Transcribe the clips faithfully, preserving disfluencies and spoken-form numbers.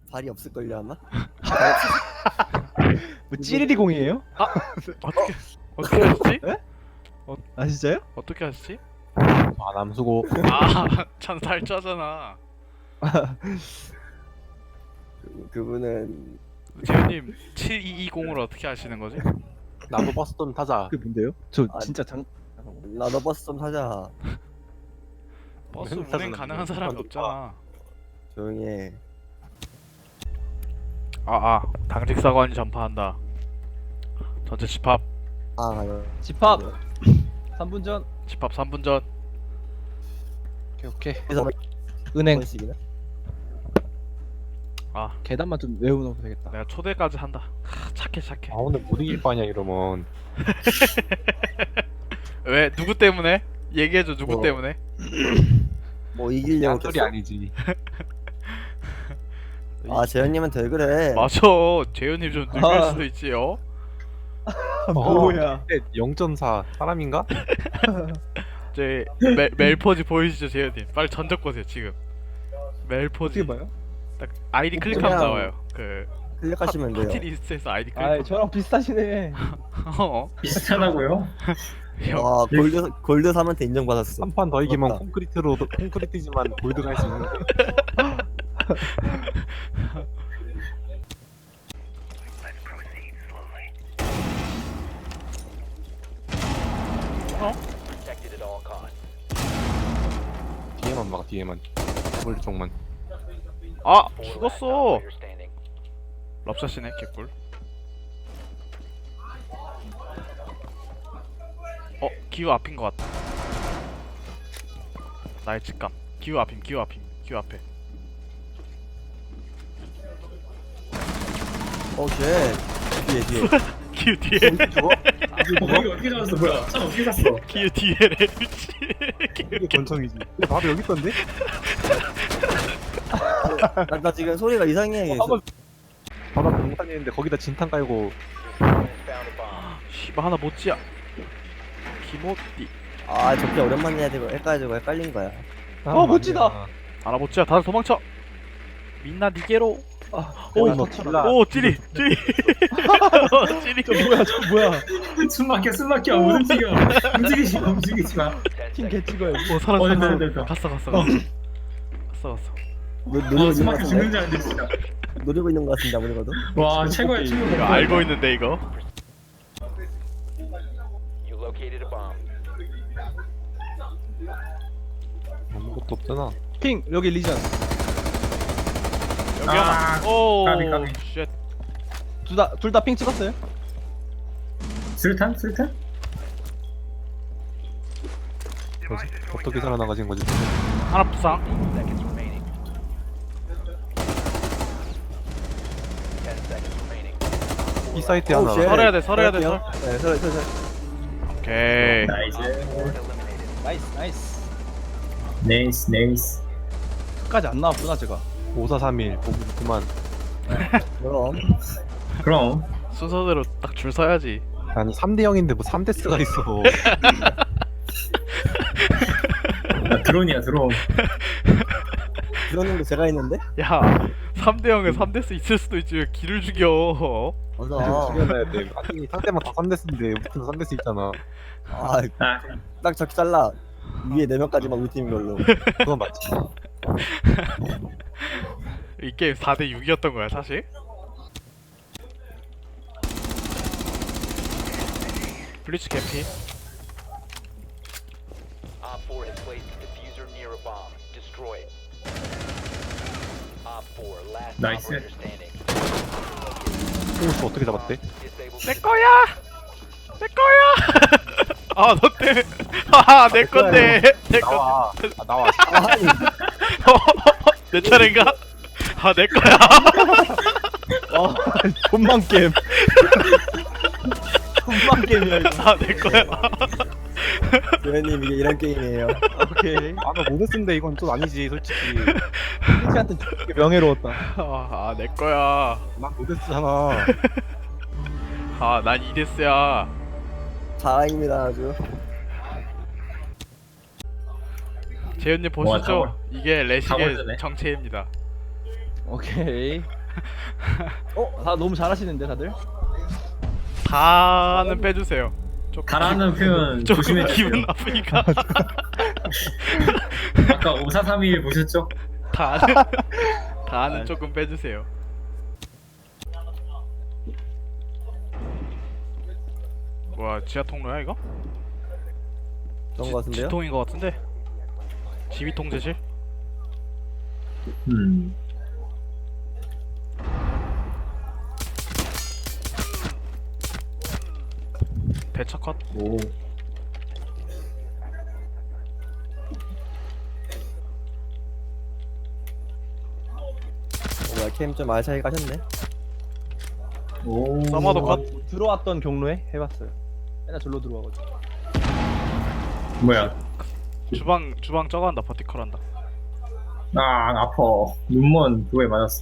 발이 없을걸요 아마? 뭐 찌리리공이에요? 어떻게 어떻게 하시지? 아 진짜요? 어떻게 하시지? 아 남수고. 아, 참 살쪄잖아. 그, 그분은 재현님 칠이이공을 어떻게 하시는 거지? 나도 버스 좀 타자. 그게 뭔데요? 저 아, 진짜 장 나도 버스 좀 타자. 버스 맨날 운행 타잖아. 가능한 사람이 없잖아. 조용히 해. 아아 당직 사관이 전파한다. 전체 집합 아 여- 집합 삼 분 전 집합 삼 분 전. 오케이 오케이. 그래서 한 은행 번씩이나? 아 계단만 좀 외워놓으면 되겠다. 내가 초대까지 한다. 하, 착해 착해. 아 오늘 못 이길 거 아니야 이러면. 왜 누구 때문에? 얘기해줘 누구 뭐. 때문에? 뭐 이기려고 한 소리 켰어? 아니지. 아 재현님한테 왜 그래? 맞아. 재현님 좀 늙을 아. 수도 있지요. 뭐야? 영 점 사 사람인가? 제 멜, 멜포지 보이시죠 재현님? 빨리 전적 보세요 지금. 멜포지. 어떻게 봐요? 딱 아이디 클릭하면 그냥- 나와요. 그 클릭하시면 돼요. 파티리스트에서 아이디 클릭. 아 저랑 비슷하시네. 어. 비슷하다고요? 형, 와 골드 골드 삼한테 인정받았어. 한 판 더 이기면 맞다. 콘크리트로 콘크리트지만 골드가 할 수 있는데. 뒤에만 막아 뒤에만. 골 쪽만. 아 죽었어. 럽샷이네 개꿀. 어 기후 앞인 것 같다. 나의 직감. 기후 앞임 기후 앞임 기후 앞에. 어 쉣. 뒤에 뒤에. 기후 뒤에. 죽어? 어, 여기 어떻게 잡았어? 뭐야? 차 어떻게 갔어? 기후 뒤에래. 미치. 이게 권총이지. 근데 바로 여기 있던데? 나, 나 지금 소리가 이상해. 한번 바다 공탄이는데 거기다 진탄 깔고. 씨발 하나 못지야. 기모띠. 아 저렇게 오랜만에 해야 되고 헷갈리고 헷갈린 거야. 어, 멋지다. 하나 못지야. 다들 도망쳐. 민나 니게로. 아, 오, 어, 너 저 칠라. 오 찌리 찌리. 찌리. 저 뭐야 저 뭐야? 숨 막혀, 숨 막혀. 못 움직여. 움직이지 마, 움직이지 마. 팀 개찍어요. 오 살았어. 어, 됐다, 살았어. 됐다, 됐다. 갔어 갔어 갔어. 갔어 갔어. 노, 와, 노리고 숨 있는 거 막혀 죽는 같은데? 줄 알았는데, 진짜. 노리고 있는 거 같은데 아무래도. 와, 최고야, 최고. 이거 알고 있는데 이거. 아무것도 없잖아. 핑 여기 리전. 여기 아, 하나. 오. 까비, 까비. 쉣. 둘다둘 다 핑 찍었어요? 술탄? 술탄? 뭐지? 어떻게 살아나가신 거지? 하나 부상. 이 사이트에 오우, 하나. 쉣. 설해야 돼, 설해야 돼, 설할게요. 네, 설, 설, 설. 오케이. 나이스. 나이스 나이스. 네이스, 네이스. 끝까지 안 나왔구나 제가. 오사삼일 보기 그만. 그럼 그럼. 순서대로 딱 줄 서야지. 아니 삼 대 영인데 뭐 삼 데스가 있어. 나 드론이야, 드론. 그러는 거 제가 했는데? 야, 삼 대 영에 삼 데스 있을 수도 있지 왜 기를 죽여? 맞아. 죽여놔야 돼. 아니 상대방 다 삼 데스인데 우리도 삼 데스 있잖아. 아, 아, 딱 저기 잘라. 위에 네 명까지만 우리 팀인 걸로. 그건 맞지. 이 게임 사 대 육이었던 거야 사실? 블리츠 개피. Op four has placed a diffuser near a bomb. Destroy it. Op four, last Nice. operator standing. 홍수 어떻게 잡았대? Disable 내 거야. 내 거야. 아, 너 때문에. 하하, 내 건데. 내 건. 나와. 아, 나와. 아니, 내 차례인가? 아, 내 거야. 아 돈만 게임. 돈만 게임이야 이거. 아, 내 거야. 조현님 이게 이런 게임이에요. 오케이. 아나 모데스인데 이건 좀 아니지 솔직히. 핑크한테 명예로웠다. 아, 아, 내 거야. 난 모데스잖아. 아, 난 이데스야. 자랑입니다 아주. 재현님 와, 보시죠. 다 이게 다 레식의 걸렸네. 정체입니다. 오케이. 어? 다 너무 잘하시는데 다들? 다는 빼주세요. 조금 가라는 표현 조금 조심해 주세요. 기분 나쁘니까 아까 오사삼일 보셨죠? 다는 다는 조금 빼주세요. 와 지하 통로야 이거? 그런 거 같은데요? 지통인 것 같은데? 지휘 통제실? 음. 배차 컷? 오. 뭐야 캠 좀 알차게 가셨네. 오. 서머도 컷? 들어왔던 경로에 해봤어요. 맨날 절로 들어와가지고. 뭐야? 주방 주방 저거 한다 버티컬 한다. 아 아파. 눈먼 그거에 맞았어.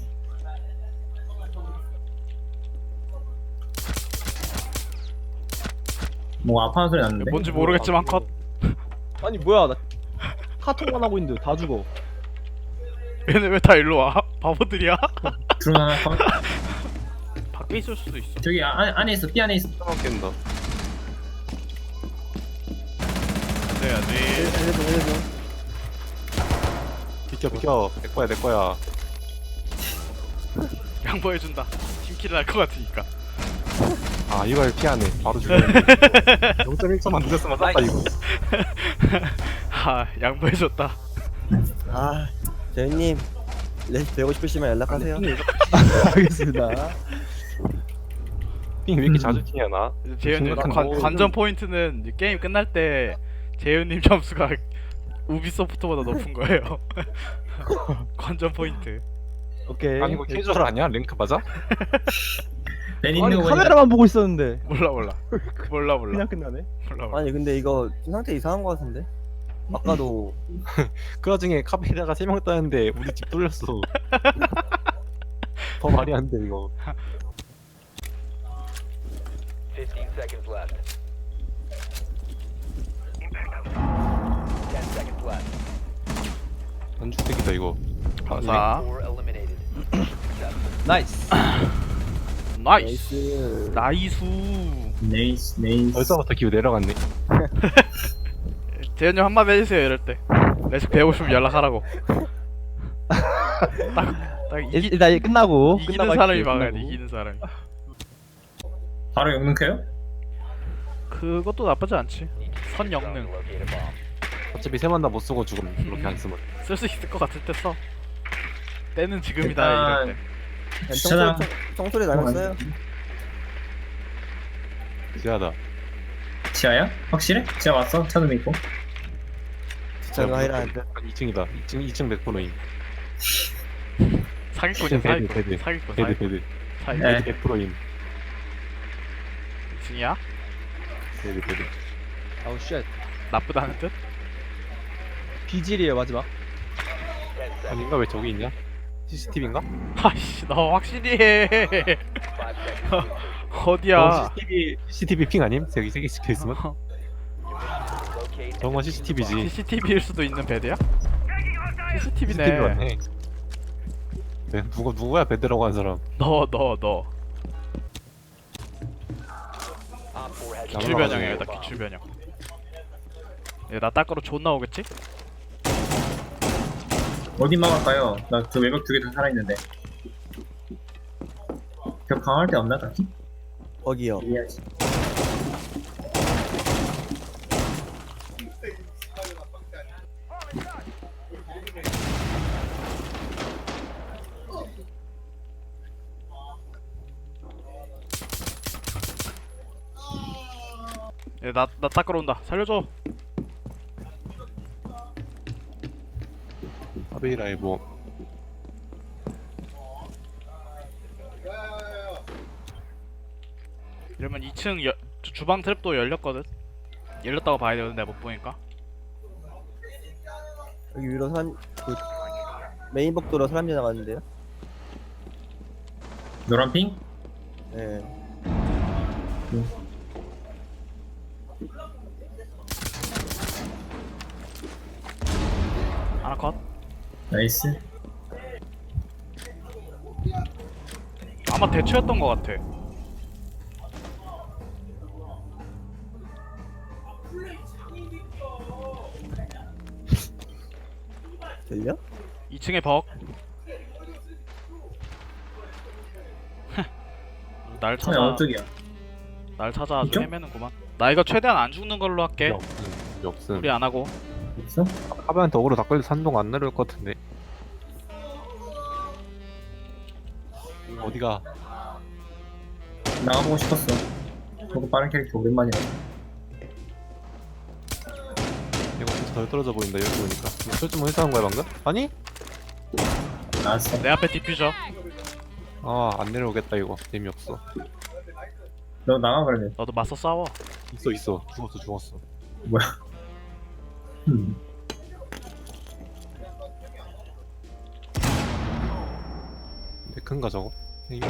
뭐 아파하는 소리 났는데? 뭔지 모르겠지만 컷. 아니 뭐야 나 카톡만 하고 있는데 다 죽어. 얘네 왜 다 일로 와? 바보들이야? 드론 하나 컷. 밖에 있을 수도 있어. 저기 아, 안, 안에 있어. 삐 안에 있어. 깬다. 그래야지. 해줘 해줘. 비켜 비켜. 내 거야 내 거야. 양보해준다. 팀킬을 할 것 같으니까. 아 이걸 피하네. 바로 죽였네. 영 점 일 초만 늦었으면 쌌다 이거. 아 양보해줬다. 아 재윤님 레시피 배우고 싶으시면 연락하세요. 알겠습니다. 핑 왜 이렇게 자주 튀냐 나? 재현님 심각한 관, 거. 관전 포인트는 이제 게임 끝날 때 재현님 점수가 우비소프트보다 높은 거예요. 관전 포인트. 오케이. 아니 이거 캐주얼 아니야? 랭크 맞아? 벤 아니 있는 거 보니까 카메라만 보고 있었는데 몰라 몰라. 몰라 몰라. 그냥 끝나네. 몰라 몰라. 아니 근데 이거 좀 상태 이상한 거 같은데? 아까도 그 와중에 카페에다가 세 명 따는데 우리 집 뚫렸어. 더 말이 안 돼 이거. fifteen seconds left. ten seconds left. 안주택이다 이거. 감사. Four eliminated. 나이스. 나이스. 나이스. 나이수. 네이스 네이스. 벌써부터 기후 내려갔네. 재현님 한마디 해주세요 이럴 때. 레식 배우고 싶으면 연락하라고. 딱, 딱 이기, 일단 이제 끝나고 이기는 끝나고 사람이 할게요, 막아야 돼. 끝나고. 이기는 사람이. 바로 영능해요? 그것도 나쁘지 않지. 선 영능. Locate a bomb. 어차피 세 만 다 못 쓰고 죽음. 그렇게 안 쓰면. 쓸 수 있을 것 같을 때 써. 때는 지금이다 일단- 이럴 때. 그냥 진짜- 청소리, 청- 청소리 나갔어요. 지하다. 지하야? 확실해? 지하 왔어? 차도 믿고. 진짜 하이라 이 층이다. 이 층 이 층 백 퍼센트임. 사기꾼이야 베드, 사기꾼. 베드. 사기꾼 베드 사기꾼. 베드. 사기꾼. 네. 베드 백 퍼센트임. 중이야? 베드 베드. 아우 쉣. 나쁘다는 뜻? 비질이에요 마지막. ten seconds. 아닌가 왜 저기 있냐? 씨씨티비인가? 아이씨 너 확실히 해. Five seconds. 어디야? 씨씨티비 씨씨티비 핑 아님? 여기 세 개 찍혀 있으면? Locate. 정말 씨씨티비지. 씨씨티비일 수도 있는 베드야? 씨씨티비 씨씨티비네. 맞네. 네, 누가 누구야 베드라고 한 사람? 너 너 너. Op four has 기출 변형이야 여기다 기출 변형. 얘나 닦으러 존나 오겠지? 어디 막을까요? 나 그 외벽 두 개 다 살아있는데. 벽 강할 데 없나 딱히? 거기요. 이해하지. 얘나나 닦으러 온다. 살려줘. 아베이라의 뭐 이러면 이 층 여, 주- 주방 트랩도 열렸거든. 열렸다고 봐야 되거든 내가 못 보니까. 여기 위로 사람 그 메인 복도로 사람 지나가는데요. 노란 핑? 네. 하나 컷. 나이스. 아마 대처였던 것 같아. 들려? 이 층에 벅. 날 처음에 찾아 어떡이야? 날 찾아 아주 있죠? 헤매는구만. 나 이거 최대한 안 죽는 걸로 할게. 필요 없음. 필요 없음. 우리 안 하고. 있어? 하반한테 어그로 다 걸려 산동 안 내려올 것 같은데. 어디가? 나가보고 싶었어. 저도 빠른 캐릭터 오랜만이야. 이거 진짜 덜 떨어져 보인다 여기 보니까. 설정 뭐 해서 한 거야 방금? 아니? 나왔어. 내 앞에 디퓨저. 아 안 내려오겠다 이거. 재미없어. 너 나가 그러면. 너도 맞서 싸워. 있어 있어. 죽었어 죽었어. 뭐야? 음. 데크인가 저거? 이거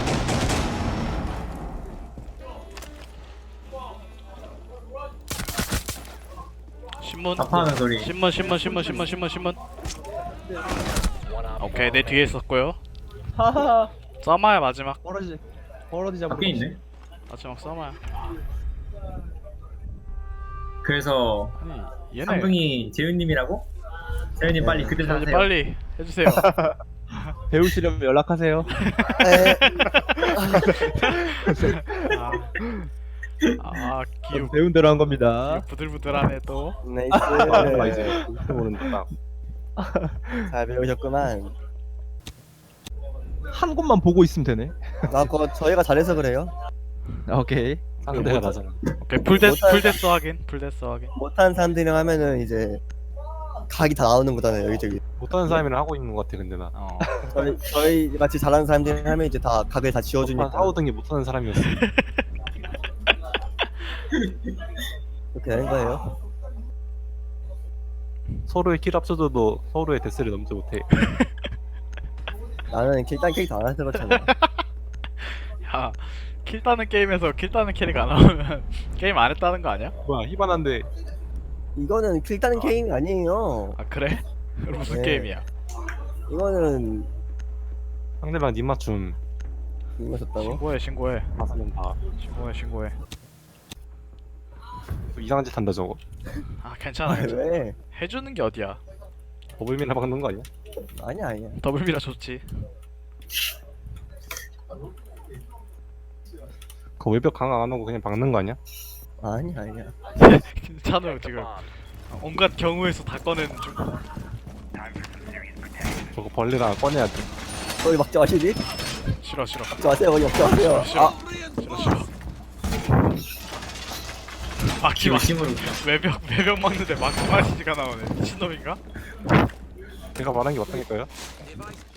신문. 아파하는 소리. 신문 신문 신문 신문 신문 신문. One op 오케이 내 뒤에 있었고요. 하하. 써마야 마지막. 벌어지. 벌어지자. 밖에 있네. 마지막 써마야. 그래서 아니 얘네. 삼둥이 재윤님이라고? 재윤님 빨리 그때 자, 이제 사세요. 빨리 해주세요. 배우시려면 연락하세요. 에, 아, 아 기우 배운 대로 한 겁니다. 부들부들하네 또. 아 나이스. 이제 이렇게 모른다. 잘 배우셨구만. 한 곳만 보고 있으면 되네. 나 그거 저희가 잘해서 그래요. 아, 오케이. 상대가 나잖아. 오케이 풀데스 못할- 풀데스 확인 풀데스 확인. 못하는 사람들이랑 하면은 이제 각이 다 나오는 거잖아요 여기저기. 못하는 사람이랑 하고 있는 것 같아 근데 나. 어. 저희 저희 같이 잘하는 사람들이랑 하면 이제 다 각을 다 지워주니까 싸우던 게 못하는 사람이었어. 이렇게 되는 거예요. 서로의 킬 합쳐줘도 서로의 데스를 넘지 못해. 나는 킬단 캐릭터 안 해서 그렇잖아. 야, 킬 따는 게임에서 킬 따는 캐릭 안 나오면 게임 안 했다는 거 아니야? 뭐야 희반한데 이거는 킬다는 게임이 아니에요. 아 그래? 그럼 무슨 네. 게임이야? 이거는 상대방 님 맞춤 이거셨다고? 신고해 신고해 다사면 다 신고해 신고해. 이상한 짓 한다 저거. 아 괜찮아 괜찮아. 왜? 해주는 게 어디야? 더블미나 박는 거 아니야? 아니야 아니야. 더블미라 좋지. 그 외벽 강화 안 하고 그냥 박는 거 아니야? 아니야 아니야. 찬우 지금 온갖 경우에서 다 꺼내는 중. 저거 벌레랑 꺼내야 돼. 거기 막지 마시니? 싫어 싫어 막지 마세요 거기 막지 마세요. 싫어 아 싫어 싫어. 막지 마. 심으로. 외벽 외벽 막는데 막지 마시지가 나오네. 미친놈인가? 내가 말한 게 맞다니까요?